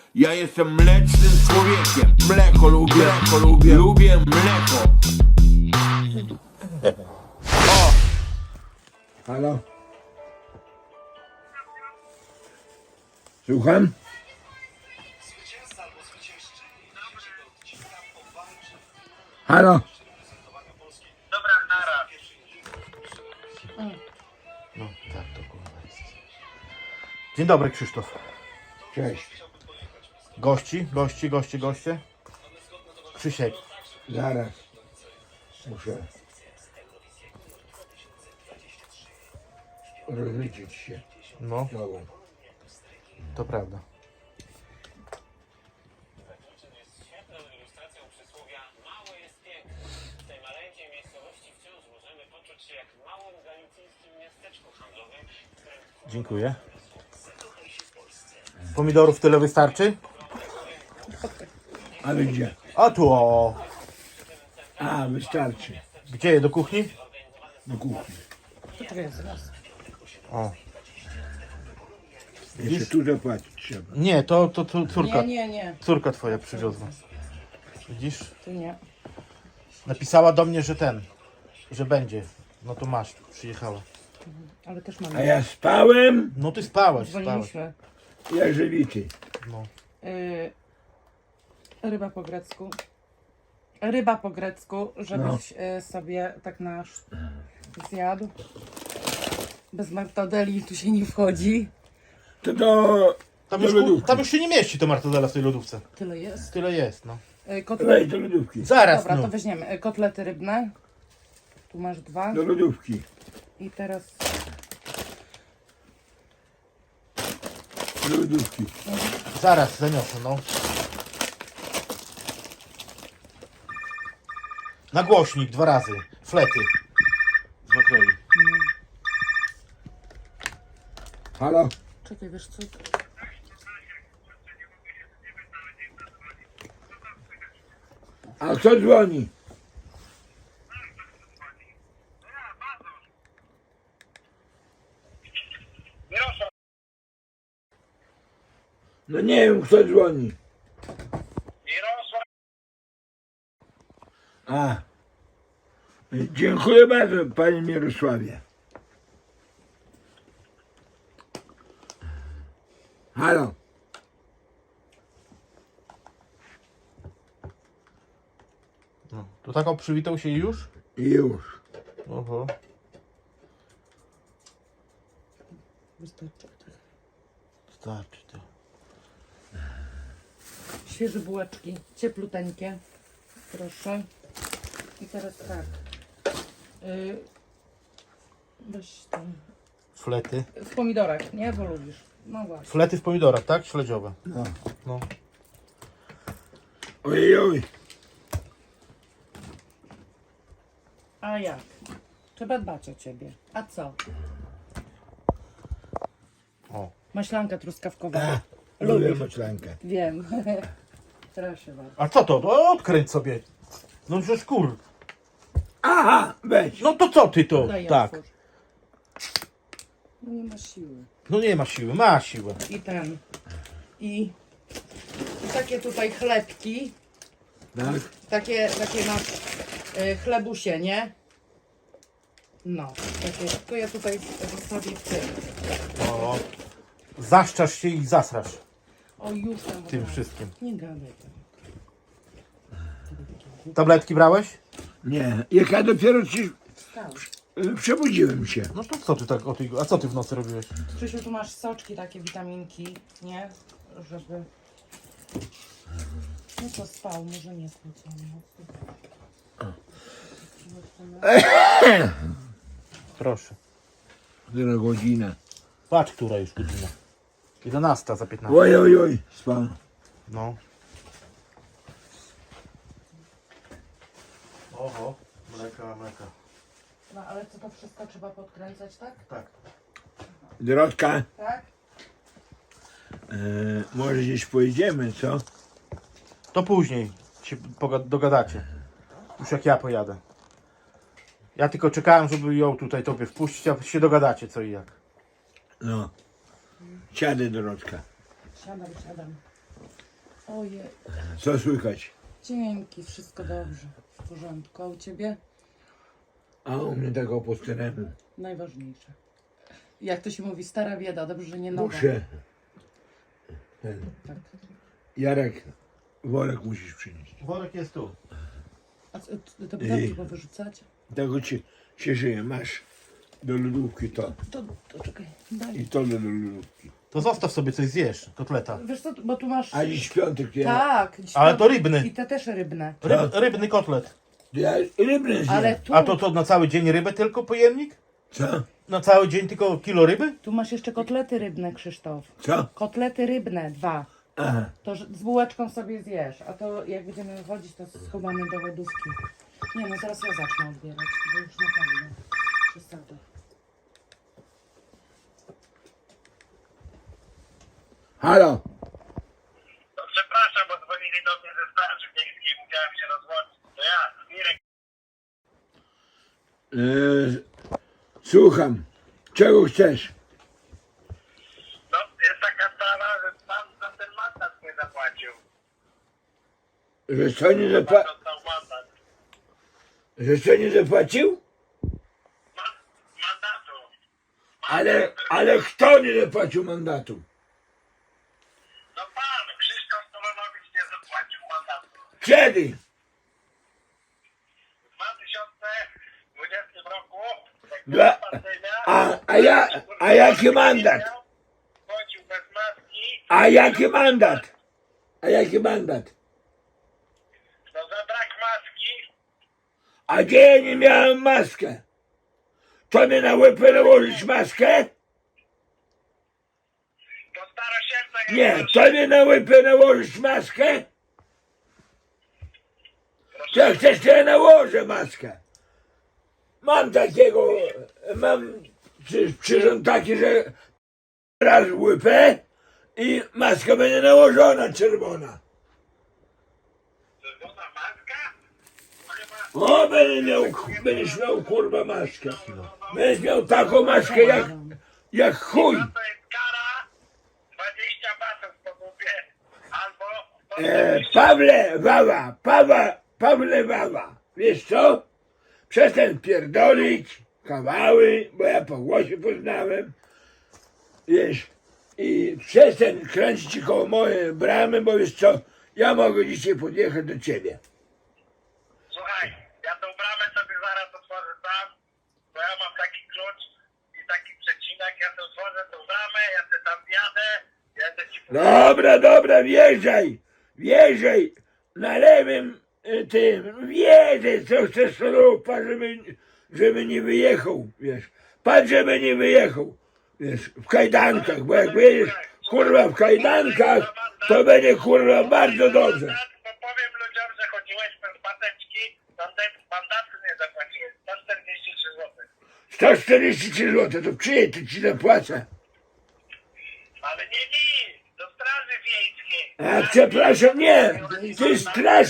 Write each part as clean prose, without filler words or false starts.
Ja jestem mlecznym człowiekiem. Mleko lubię mleko. Halo? Słucham? Halo? Dobra, nara. No tak, to kurwa jest. Dzień dobry, Krzysztof. Cześć. Goście. Krzysiek. Zaraz. Muszę rozliczyć się No, z tobą. to prawda. Świetną ilustracją przysłowia mało jest piękne. W tej maleńkiej miejscowości wciąż możemy poczuć się jak w małym galicyjskim miasteczku handlowym, w którym Dziękuję. Pomidorów tyle wystarczy? Ale gdzie? A tu o. A, wystarczy. Gdzie? Do kuchni? Do kuchni. O. Jeszcze tu zapłacić trzeba. Nie, to córka. Nie, Córka twoja przywiozła. Widzisz? tu nie. Napisała do mnie, że będzie. No to masz, przyjechała. Ale też A mamy. ja spałem, No ty spałaś. Dzwoniliśmy. jak żywity. No. Ryba po grecku. Ryba po grecku, żebyś sobie tak nasz zjadł. Bez martadeli tu się nie wchodzi. To Tam do już, lodówki. tam już się nie mieści to martadela w tej lodówce. Tyle jest. Tyle jest, no. Weź do lodówki. Zaraz, Dobra, no. to weźmiemy. Kotlety rybne. Tu masz 2. Do lodówki. I teraz Do lodówki. Zaraz, zaniosę, no. Na głośnik 2 razy. Flety. Z makreli. Halo? czekaj, wiesz co? A kto dzwoni? Mirosław, No nie wiem, kto dzwoni. Mirosław, A. Dziękuję bardzo, panie Mirosławie. Halo? No. To tak przywitał się i już? Już. Oho. Wystarczy. Starczy to. Świeże bułeczki, ciepluteńkie. Proszę. I teraz tak. Weź ten. Flety. W pomidorach, nie? Bo lubisz. No właśnie. Flety w pomidorach, tak? Śledziowe. No. No. Ojej. A jak? Trzeba dbać o ciebie. A co? O. Maślanka truskawkowa. Lubię Lubisz? maślankę. Wiem. Proszę bardzo. A co to? No, odkręć sobie. No przecież kur. Aha, weź. No to co ty to? Daj, Tak. otwórz. No nie ma siły. No nie ma siły, ma siłę. I ten. I takie tutaj chlebki. Tak? Takie masz chlebusie, nie? No, takie. To ja tutaj zostawię w tym. O. Zaszczasz się i zasrasz O, już tam. tym wszystkim. Nie gadaj tam. Tabletki brałeś? Nie. Jak ja dopiero ci Wstał. przebudziłem się. No to co ty tak o tej... A co ty w nocy robiłeś? Krzysiu, tu masz soczki, takie witaminki, nie? Żeby... No to spał, może nie spał całą noc. Proszę. Która godzina? Patrz, która już godzina. 11 za 15. Oj, oj, oj. Spał. No. Oho, mleka. No ale co to wszystko trzeba podkręcać, tak? Tak. Drodka, Tak? może gdzieś pojedziemy, co? To później się dogadacie. Już jak ja pojadę. Ja tylko czekałem, żeby ją tutaj tobie wpuścić, a się dogadacie co i jak. No. Siadę, Drodka. Siadam. Ojej, Co słychać? dzięki, wszystko dobrze, w porządku. A u ciebie? A u mnie tego po staremu. Najważniejsze. Jak to się mówi, stara bieda, dobrze, że nie nowa. Muszę. Ten. Tak. Jarek, worek musisz przynieść. Worek jest tu. A co, to butelki trzeba wyrzucać? Tego się żyje. Masz do lodówki to. To czekaj, daj. I to do lodówki. To zostaw sobie coś zjesz, kotleta. Wiesz co, bo tu masz... A dziś piątek ja... Tak. Ale to rybny. I te też rybne. Rybny kotlet. Ja rybny zjem. Ale tu, A to na cały dzień rybę tylko pojemnik? Co? Na cały dzień tylko kilo ryby? tu masz jeszcze kotlety rybne, Krzysztof. Co? Kotlety rybne, 2. Aha. To z bułeczką sobie zjesz, a to jak będziemy wychodzić, to schowamy do lodówki. Nie no, zaraz ja zacznę odbierać, bo już naprawdę przesada. Halo. No przepraszam, bo dzwonili do mnie ze straży miejskiej, musiałem się rozłączyć. To ja, Mirek. Słucham. Czego chcesz? No, jest taka sprawa, że pan za ten mandat nie zapłacił. Że co nie Pan zapłacił? dostał mandat. Że co nie zapłacił? Mandatu. Ale kto nie zapłacił mandatu? No pan, Krzysztof Solonowicz nie zapłacił mandatu. Kiedy? W 2020 roku, jak Dla- była pandemia, A jaki mandat? chodził bez maski, A jaki mandat? A jaki mandat? no za brak maski, A gdzie ja nie miałem maskę? To mnie na łeb nałożyć maskę? to starosierca jak Nie, masz. to mnie na łeb nałożyć maskę? To jak chcesz, to ja nałożę maskę. Mam takiego, mam przyrząd taki, że raz łypę i maska będzie nałożona czerwona. Czerwona maska? To chyba... O, będziesz miał kurwa maskę. Będziesz miał taką maskę jak chuj. To jest kara 20 batów po głowie, albo... Pawle Wawa, wiesz co? Przestań pierdolić kawały, bo ja po głosie poznałem, wiesz, i przestań kręcić koło mojej bramy, bo wiesz co, ja mogę dzisiaj podjechać do ciebie. Słuchaj, ja tą bramę sobie zaraz otworzę sam, bo ja mam taki klucz i taki przecinek, ja sobie otworzę tą bramę, ja sobie tam wjadę, ja sobie ci Dobra, wjeżdżaj na lewym tym, wjeżdżaj, co chcesz soropa, żeby nie wyjechał, wiesz, patrz, żeby nie wyjechał, wiesz, w kajdankach, bo jak wyjedziesz, kurwa, w kajdankach, to będzie, kurwa, bardzo dobrze. Bo powiem ludziom, że chodziłeś bez pateczki, mandatu nie zapłaciłeś, 143 zł. 143 zł, to przyjedź, to ci zapłacę. Ale nie mi, do straży wiejskiej. A przepraszam, nie, ty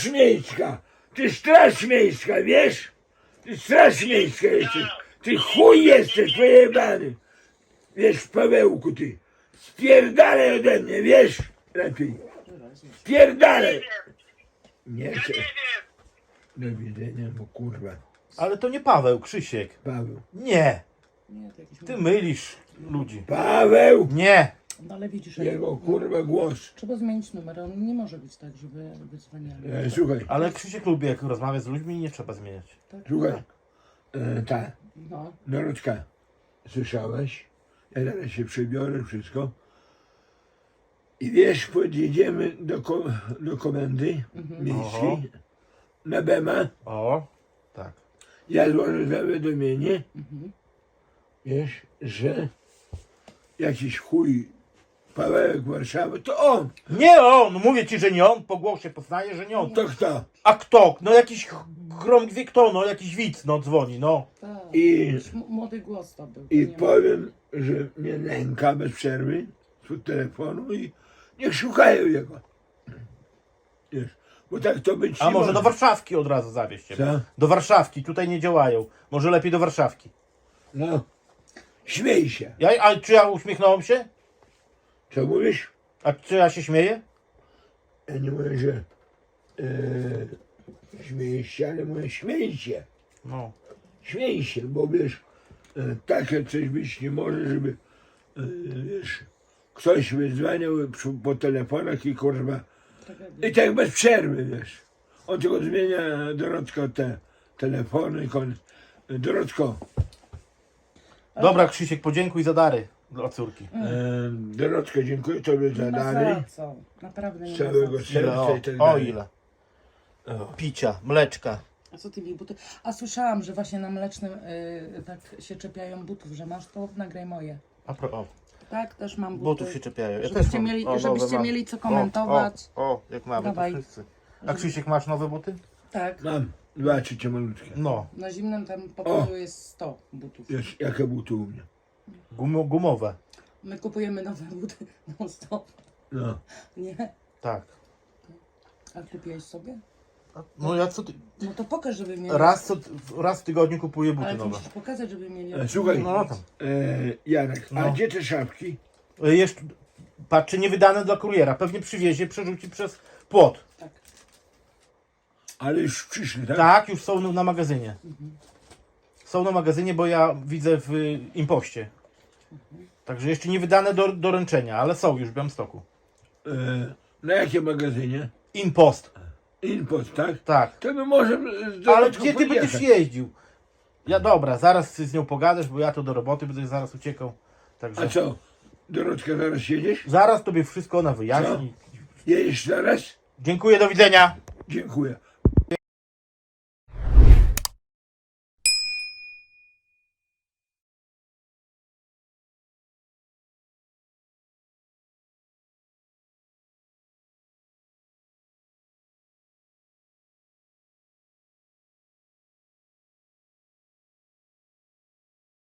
straż miejska, wiesz? Ty straż miejska jesteś, ty chuj jesteś pojebany. Wiesz, Pawełku, ty, spierdalaj ode mnie, wiesz? Lepiej, spierdalaj. Nie chcę, Nie wiem, do widzenia, bo kurwa, Ale to nie Paweł, Krzysiek. Paweł. Nie, Nie, to jakiś... ty mylisz ludzi. Paweł, Nie. No ale widzisz, jego kurwa głos. trzeba zmienić numer, on nie może być tak, żeby wydzwaniali. Słuchaj, Ale Krzysiek lubi, jak rozmawia z ludźmi i nie trzeba zmieniać. słuchaj, ta, No, Dorotka, słyszałeś? Ja zaraz się przebiorę, wszystko. I wiesz, podjedziemy do komendy miejskiej, na Bema. O, tak. Ja złożę zawiadomienie, wiesz, że jakiś chuj Pawełek Warszawy, to on. Nie on, mówię ci, że nie on, po głosie poznaję, że nie on. To kto? A kto? No jakiś grom wie kto, no jakiś widz, no dzwoni, no. tak. I, Jakiś młody głos to był. to i nie ma- powiem, że mnie nęka bez przerwy z telefonu i niech szukają jego. Wiesz, bo tak to być A nie może do Warszawki od razu zawieźcie. Co? Do Warszawki, tutaj nie działają. Może lepiej do Warszawki. No, śmiej się. A czy ja uśmiechnąłem się? Co mówisz? A czy ja się śmieję? Ja nie mówię, że śmieję się, ale mówię śmiej się. No. Śmiej się, bo wiesz, takie coś być nie może, żeby wiesz, ktoś wyzwaniał po telefonach i kurwa. I tak bez przerwy, wiesz. On tylko zmienia Dorotko te telefony i koniec. Dorotko, Dobra, Krzysiek, podziękuj za dary dla córki. Dorotko, dziękuję Tobie za Nie ma dary. za co. Naprawdę nie Z ma całego za co. serca i tak O dalej. ile. O. Picia, mleczka. A co ty mi buty? A słyszałam, że właśnie na mlecznym tak się czepiają butów, że masz to, nagraj moje. O, Tak, też mam buty. butów się czepiają. Ja Żebyście też mam. mieli- O, żebyście nowe mam. mieli co komentować. O, jak mamy, Dawaj. to wszyscy. A Krzysiek, masz nowe buty? Tak. Mam 2 czy malutkie. No, Na zimnym tam pokoju jest 100 butów. Wiesz, jakie buty u mnie. gumowe. My kupujemy nowe buty non stop. No. Nie? Tak. A kupiłeś sobie? No ja co ty... No to pokaż, żeby mieli. Raz w tygodniu kupuję buty Ale ty nowe. musisz pokazać, żeby mieli. Słuchaj, No tam. Janek, a No. gdzie te szafki? Jeszcze, patrzcie, niewydane dla kuriera. Pewnie przywiezie, przerzuci przez płot. Tak. Ale już przyszli, tak? Tak, już są na magazynie. Są na magazynie, bo ja widzę w impoście. Także jeszcze nie wydane do doręczenia, ale są już w Białymstoku. Na jakim magazynie? Impost. Inpost, tak? Tak. To my może z Ale Dorotką gdzie ty pojechać. będziesz jeździł? Ja dobra, zaraz z nią pogadasz, bo ja to do roboty będę zaraz uciekał. Także A co? Dorotka, zaraz jedziesz? zaraz tobie wszystko ona wyjaśni. Jedziesz zaraz? Dziękuję, do widzenia. Dziękuję.